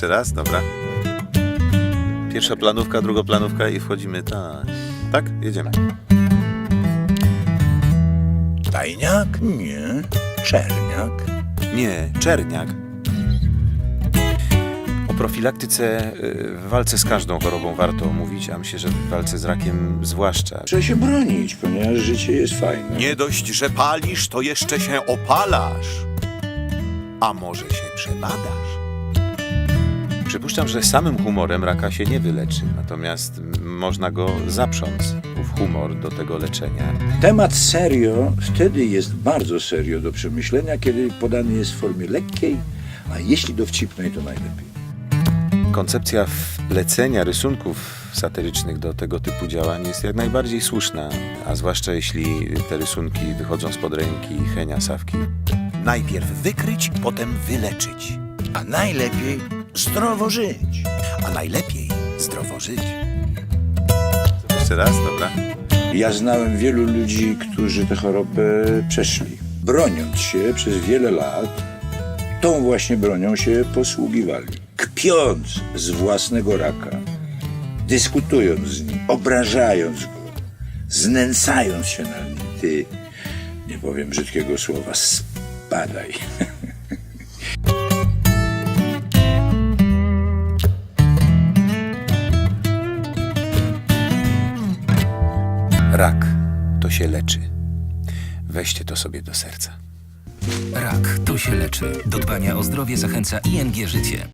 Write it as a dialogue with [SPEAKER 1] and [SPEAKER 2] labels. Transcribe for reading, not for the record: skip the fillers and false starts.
[SPEAKER 1] Jeszcze raz, dobra. Pierwsza planówka, druga planówka i wchodzimy tak. Tak? Jedziemy.
[SPEAKER 2] Tajniak? Nie. Czerniak?
[SPEAKER 1] Nie, czerniak. O profilaktyce w walce z każdą chorobą warto mówić, a myślę, że w walce z rakiem zwłaszcza.
[SPEAKER 2] Trzeba się bronić, ponieważ życie jest fajne.
[SPEAKER 1] Nie dość, że palisz, to jeszcze się opalasz. A może się przebadasz? Przypuszczam, że samym humorem raka się nie wyleczy, natomiast można go zaprząc, ów humor do tego leczenia.
[SPEAKER 2] Temat serio wtedy jest bardzo serio do przemyślenia, kiedy podany jest w formie lekkiej, a jeśli dowcipnej, to najlepiej.
[SPEAKER 1] Koncepcja wplecenia rysunków satyrycznych do tego typu działań jest jak najbardziej słuszna, a zwłaszcza jeśli te rysunki wychodzą spod ręki Henia Sawki.
[SPEAKER 3] Najpierw wykryć, potem wyleczyć.
[SPEAKER 2] A najlepiej zdrowo żyć.
[SPEAKER 3] A najlepiej zdrowo żyć.
[SPEAKER 1] Jeszcze raz, dobra.
[SPEAKER 2] Ja znałem wielu ludzi, którzy tę chorobę przeszli. Broniąc się przez wiele lat, tą właśnie bronią się posługiwali. Kpiąc z własnego raka, dyskutując z nim, obrażając go, znęcając się nad nim. Ty, nie powiem brzydkiego słowa, spadaj.
[SPEAKER 1] Rak to się leczy. Weźcie to sobie do serca.
[SPEAKER 4] Rak to się leczy. Do dbania o zdrowie zachęca ING Życie.